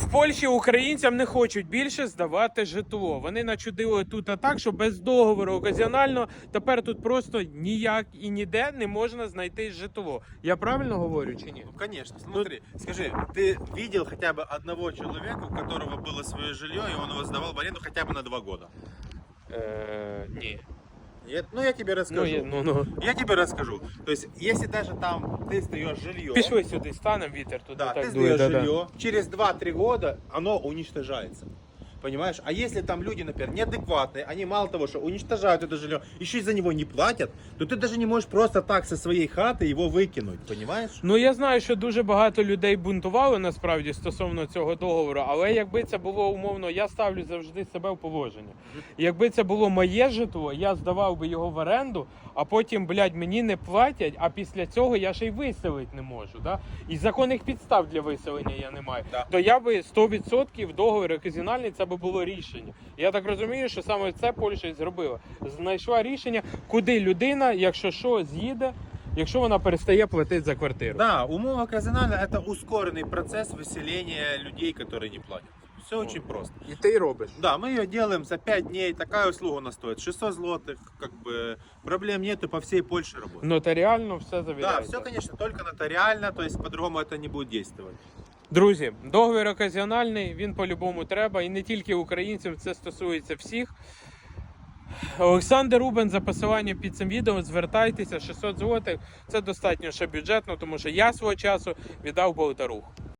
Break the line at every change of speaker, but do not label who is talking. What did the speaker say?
В Польщі українцям не хочуть більше здавати житло. Вони начудили тут так, що без договору оказіонально тепер тут просто ніяк і ніде не можна знайти житло. Я правильно говорю чи ні?
Ну, конечно. Смотри, скажи, ты видел хотя бы одного человека, у которого было свое жилье, и он его сдавал в аренду хотя бы на 2 года?
Ні.
Нет? Ну, я тебе расскажу. Я тебе расскажу. То есть, если даже там ты сдаешь жилье,
Пішли сюди, станемо, вітер туди
да, ты
так дує.
сдаешь жилье, через 2-3 года оно уничтожается. Понимаешь? А если там люди, например, неадекватные, они мало того, что уничтожают это жилье, еще и за него не платят, то ты даже не можешь просто так со своей хаты его выкинуть, понимаешь?
Ну, я знаю, що дуже багато людей бунтували насправді стосовно цього договору, але якби це було умовно, я ставлю завжди себе в положення. Якби це було моє житло, я здавав би його в оренду, а потім, блядь, мені не платять, а після цього я ще й виселити не можу. Да? І законних підстав для виселення я не маю.
Да.
То я би 100% договір оказіональний, це би було рішення. Я так розумію, що саме це Польща і зробила. Знайшла рішення, куди людина, якщо що, з'їде, якщо вона перестає платити за квартиру.
Да, умова казинальна – это ускоренный процесс выселения людей, которые не платят. Все очень просто.
І ти робиш.
Да, мы ее делаем за 5 дней, такая услуга у нас стоит 600 злотых, как бы проблем нету, по всей Польше работает.
Нотаріально все
Да,
завіряється.
все, конечно, только нотариально, то есть по-другому это не будет действовать.
Друзі, договір оказіональний, він по-любому треба, і не тільки українців, це стосується всіх. Олександр Рубен за посиланням під цим відео, звертайтеся, 600 злотих, це достатньо ще бюджетно, тому що я свого часу віддав Болтаруху.